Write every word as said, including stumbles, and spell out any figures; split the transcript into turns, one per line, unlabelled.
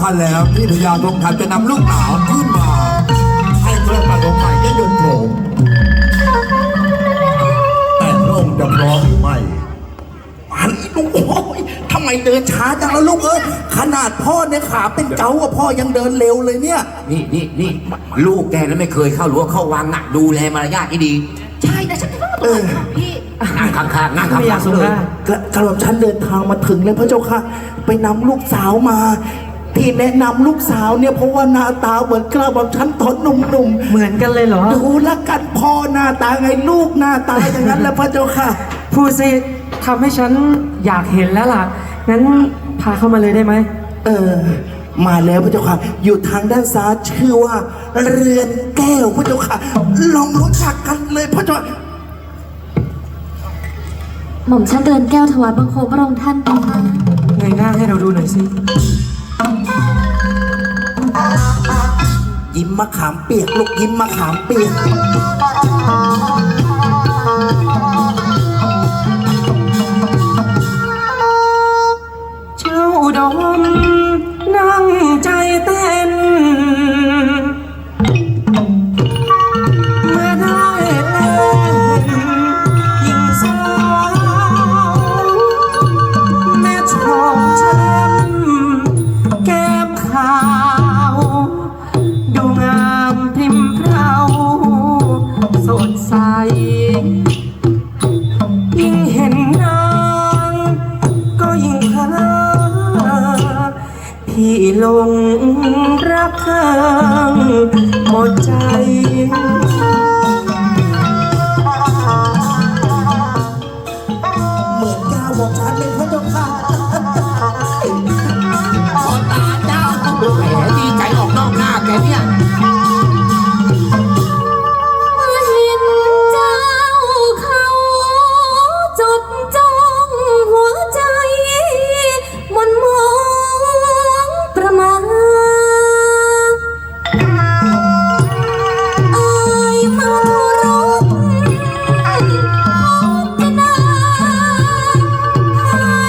คัญแล้วที่พญาทองทัพจะนำลูกสาวขึ้นมาให้พระประสงค์ใหม่ได้ยนต์โฉมแต่พระองค์จะพร้อมหรือไม่อันนี้ลูกโอ้ยทำไมเดินช้าจังแล้วลูกเอ้ยขนาดพ่อเนี่ยขาเป็นเกาอะพ่อยังเดินเร็วเลยเนี่ย
นี่นี่นี่ลูกแกแล้วไม่เคยเข้าหรือว่าเข้าวังอ่ะดูแลมารยาทให้ดี
ใช่แต่ฉันก็ต้องพี่
นั่งข้างๆนั่งข้างๆเลย
กระหม่อมฉันเดินทางมาถึงแล้วพระเจ้าค่ะไปนำลูกสาวมาที่แนะนำลูกสาวเนี่ยเพราะว่าหน้าตาเหมือนกระหม่อมฉันตอนหนุ่มๆ
เหมือนกันเลยเหรอ
ดูละกันพ่อหน้าตาไงลูกหน้าตาอย่างนั้นแล้วพระเจ้าค่ะ
พูดสิทำให้ฉันอยากเห็นแล้วล่ะงั้นพาเข้ามาเลยได้ไหม
เออมาแล้วพระเจ้าค่ะอยู่ทางด้านซ้ายชื่อว่าเรือนแก้วพระเจ้าค่ะลองรู้จักกันเลยพระเจ้า
หม่อมฉันเดินแก้วถวายบังคมพระองค์ท่านนะคะ
เงยหน้าให้เราดูหน่อยสิ
ยิ้มมะขามเปียกลูกยิ้มมะขามเปียก
เจ้าดมนั่งใจเต้นเมื่อได้เล่นยิงสาวแม่ชมแช่มแก้มขาวดูงามพริมเพราสดใสยิ่งเห็นนางก็ยิ่งเพลินพี่หลงรักเธอหมดใจ